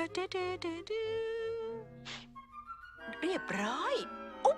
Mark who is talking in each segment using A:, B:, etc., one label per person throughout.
A: เรียบร้อยอุ๊บ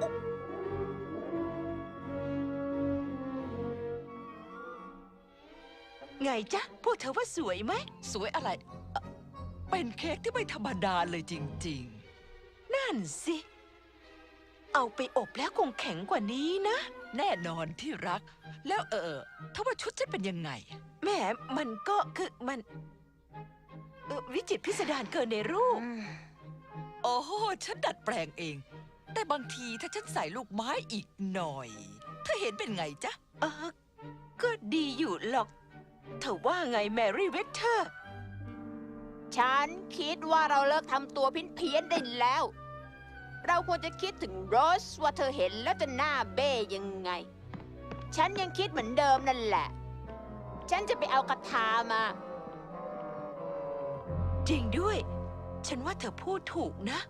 A: ไงจ๊ะพวกเธอว่าสวยไหม
B: สวยอะไรเป็นเค้กที่ไม่ธรรมดาเลยจริง
A: นั่นสิเอาไปอบแล้วคงแข็งกว่านี้นะ
B: ๆแน่นอนที่รักแล้วถ้าว่าชุดฉันเป็นยังไง
A: แหมมันก็คือมันวิจิตรพิสดารเกินในรูป
B: โอ้โหฉันดัดแปลงเองแต่บางทีถ้าฉันใส่ลูกไม้อีกหน่อยเธอเห็นเป็นไงจ๊ะ
A: ก็ดีอยู่หรอกเธอว่าไงแมรี่เวสเทอร์
C: ฉันคิดว่าเราเลิกทำตัวเพี้ยนได้แล้ว เราควรจะคิดถึงโรสว่าเธอเห็นแล้วจะหน้าเบ้ยังไง ฉันยังคิดเหมือนเดิมนั่นแหละ ฉันจะไปเอากระทามา
A: จริงด้วยฉันว่าเธอพูดถูกนะ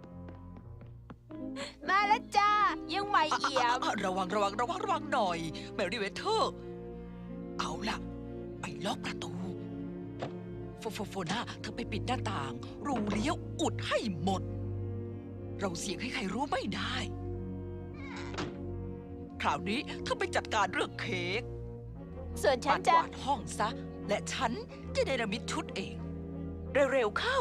C: มาแล้วจ้ายังไม่เอี่ยม
B: ระวังหน่อยแมรี่เวเทอร์เอาล่ะไปล็อกประตูโฟน่าเธอไปปิดหน้าต่างรูเลี้ยวอุดให้หมดเราเสี่ยงให้ใครรู้ไม่ได้คราวนี้เธอไปจัดการเรื่องเค้ก
C: ส่วนฉันจะ
B: กวาดห้องซะและฉันจะเนรมิตชุดเอง
A: เร็วเข้า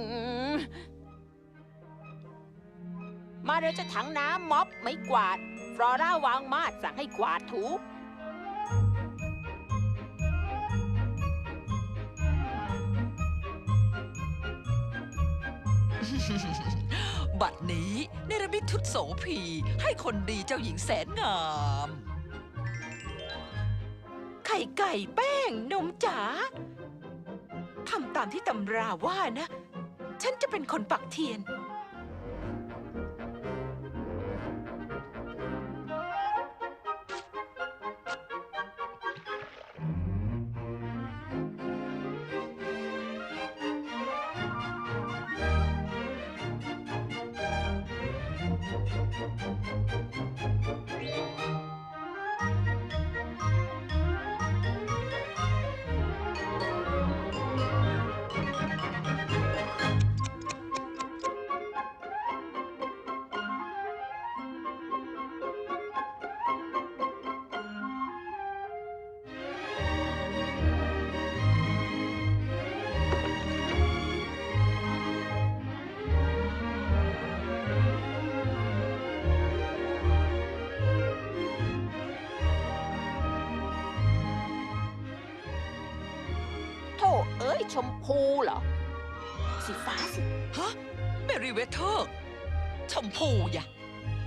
C: มาเดี๋ยวจะถังน้ำม็อบไม่กวาดฟลอร่าวางมาดสั่งให้กวาดถู
B: บัดนี้เนรมิตชุดโสภีให้คนดีเจ้าหญิงแสนงาม
A: ไข่ไก่แป้งนมจ๋าทำตามที่ตำราว่านะฉันจะเป็นคนปักเทียน
C: ชมพูเหรอสีฟ้าสิ
B: ฮะแมรี่เวเทอร์ชมพูอย่ะ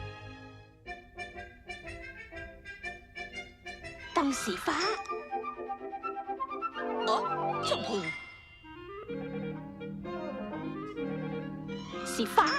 C: ต้องสีฟ้า
B: ชมพู
C: สีฟ้า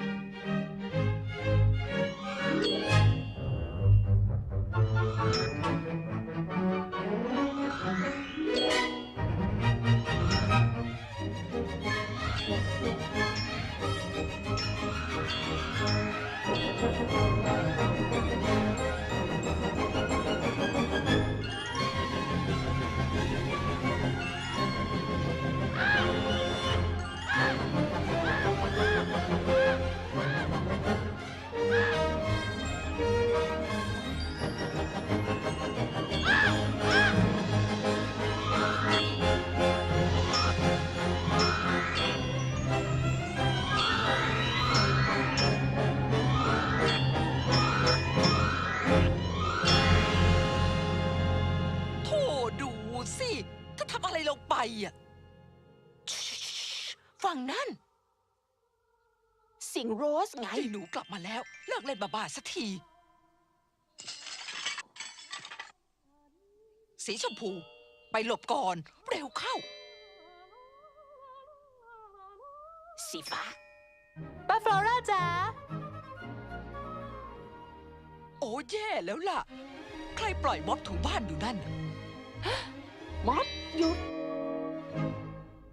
A: ฟังนั่น
C: เสียงโรสไง
B: หนูกลับมาแล้วเลิกเล่นบ้าๆสักทีสีชมพูไปหลบก่อนเร็วเข้า
C: สีฟ้าป้าฟลอร่าจ๋า
B: โอ้แย่แล้วล่ะใครปล่อยม็อบถูบ้านอยู่นั่น
C: ม็อบหยุด